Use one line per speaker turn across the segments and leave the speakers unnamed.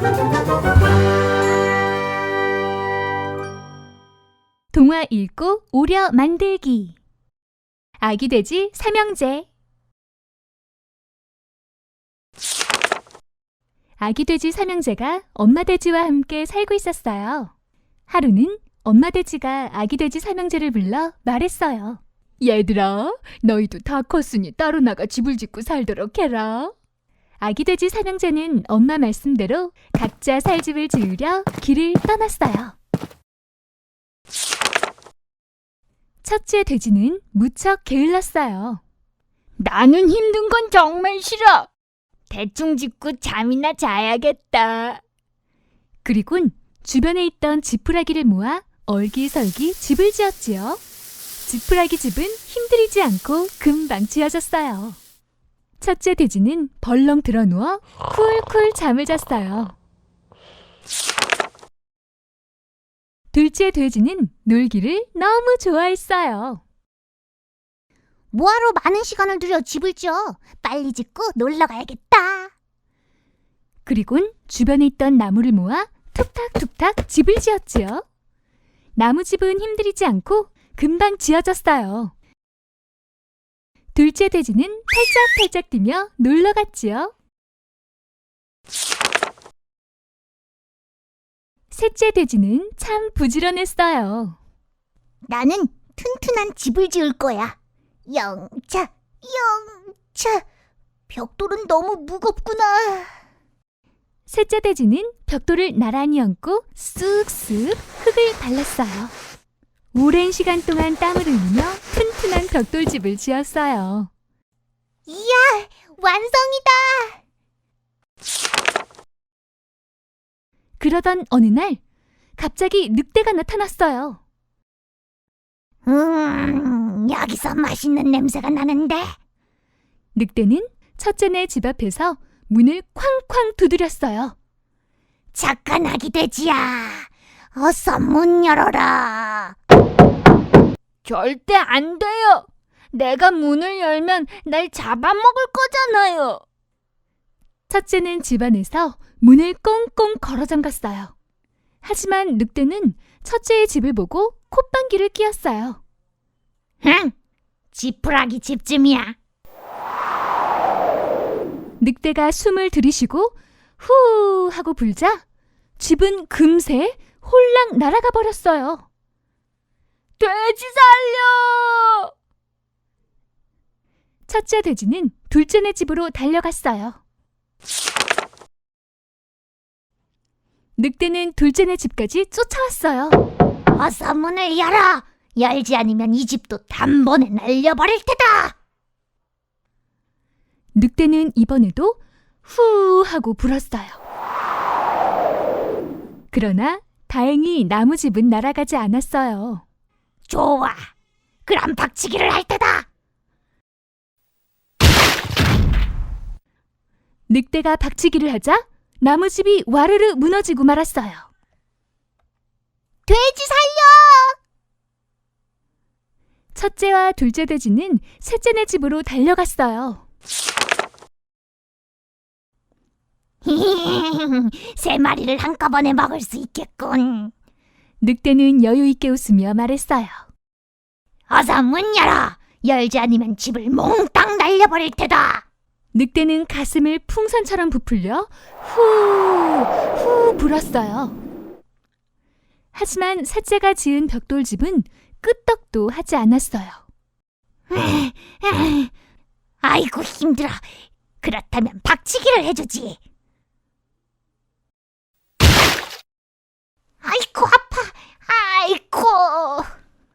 동화 읽고 오려 만들기. 아기 돼지 삼형제. 아기 돼지 삼형제가 엄마 돼지와 함께 살고 있었어요. 하루는 엄마 돼지가 아기 돼지 삼형제를 불러 말했어요. 얘들아, 너희도 다 컸으니 따로 나가 집을 짓고 살도록 해라. 아기 돼지 삼형제는 엄마 말씀대로 각자 살 집을 지으려 길을 떠났어요. 첫째 돼지는 무척 게을렀어요. 나는 힘든 건 정말 싫어. 대충 짓고 잠이나 자야겠다. 그리곤 주변에 있던 지푸라기를 모아 얼기설기 집을 지었지요. 지푸라기 집은 힘들이지 않고 금방 지어졌어요. 첫째 돼지는 벌렁 드러누워 쿨쿨 잠을 잤어요. 둘째 돼지는 놀기를 너무 좋아했어요.
뭐하러 많은 시간을 들여 집을 지어? 빨리 짓고 놀러 가야겠다.
그리곤 주변에 있던 나무를 모아 툭탁툭탁 집을 지었지요. 나무집은 힘들이지 않고 금방 지어졌어요. 둘째 돼지는 팔짝팔짝 뛰며 놀러 갔지요. 셋째 돼지는 참 부지런했어요.
나는 튼튼한 집을 지을 거야. 영차, 영차. 벽돌은 너무 무겁구나.
셋째 돼지는 벽돌을 나란히 얹고 쑥쑥 흙을 발랐어요. 오랜 시간 동안 땀을 흘리며 튼튼한 벽돌집을 지었어요.
이야, 완성이다.
그러던 어느 날 갑자기 늑대가 나타났어요.
여기서 맛있는 냄새가 나는데.
늑대는 첫째네 집 앞에서 문을 쾅쾅 두드렸어요.
착한 아기 돼지야, 어서 문 열어라.
절대 안 돼요. 내가 문을 열면 날 잡아먹을 거잖아요. 첫째는 집 안에서 문을 꽁꽁 걸어 잠갔어요. 하지만 늑대는 첫째의 집을 보고 콧방귀를 뀌었어요.
흥, 지푸라기 집쯤이야.
늑대가 숨을 들이쉬고 후 하고 불자 집은 금세 홀랑 날아가 버렸어요. 돼지 살려! 첫째 돼지는 둘째네 집으로 달려갔어요. 늑대는 둘째네 집까지 쫓아왔어요.
어서 문을 열어. 열지 않으면 이 집도 단번에 날려버릴 테다.
늑대는 이번에도 후 하고 불었어요. 그러나 다행히 나무집은 날아가지 않았어요.
좋아, 그럼 박치기를 할 테다.
늑대가 박치기를 하자 나무집이 와르르 무너지고 말았어요.
돼지 살려!
첫째와 둘째 돼지는 셋째네 집으로 달려갔어요.
세 마리를 한꺼번에 먹을 수 있겠군.
늑대는 여유 있게 웃으며 말했어요.
어서 문 열어. 열지 않으면 집을 몽땅 날려버릴 테다.
늑대는 가슴을 풍선처럼 부풀려 후 불었어요. 하지만 셋째가 지은 벽돌집은 끄떡도 하지 않았어요.
아이고 힘들어. 그렇다면 박치기를 해주지. 아이고 아파. 아이고.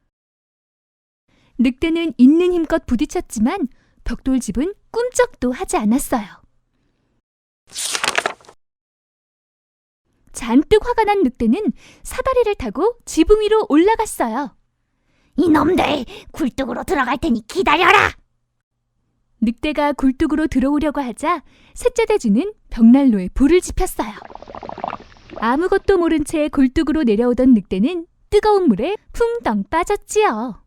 늑대는 있는 힘껏 부딪혔지만 벽돌집은 꿈쩍도 하지 않았어요. 잔뜩 화가 난 늑대는 사다리를 타고 지붕 위로 올라갔어요.
이놈들 굴뚝으로 들어갈 테니 기다려라.
늑대가 굴뚝으로 들어오려고 하자 셋째 돼지는 벽난로에 불을 지폈어요. 아무것도 모른 채 굴뚝으로 내려오던 늑대는 뜨거운 물에 풍덩 빠졌지요.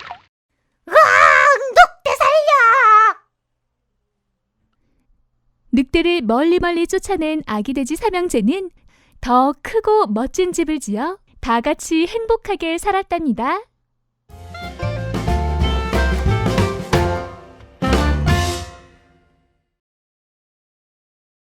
으악! 늑대 살려!
늑대를 멀리 쫓아낸 아기 돼지 삼형제는 더 크고 멋진 집을 지어 다 같이 행복하게 살았답니다.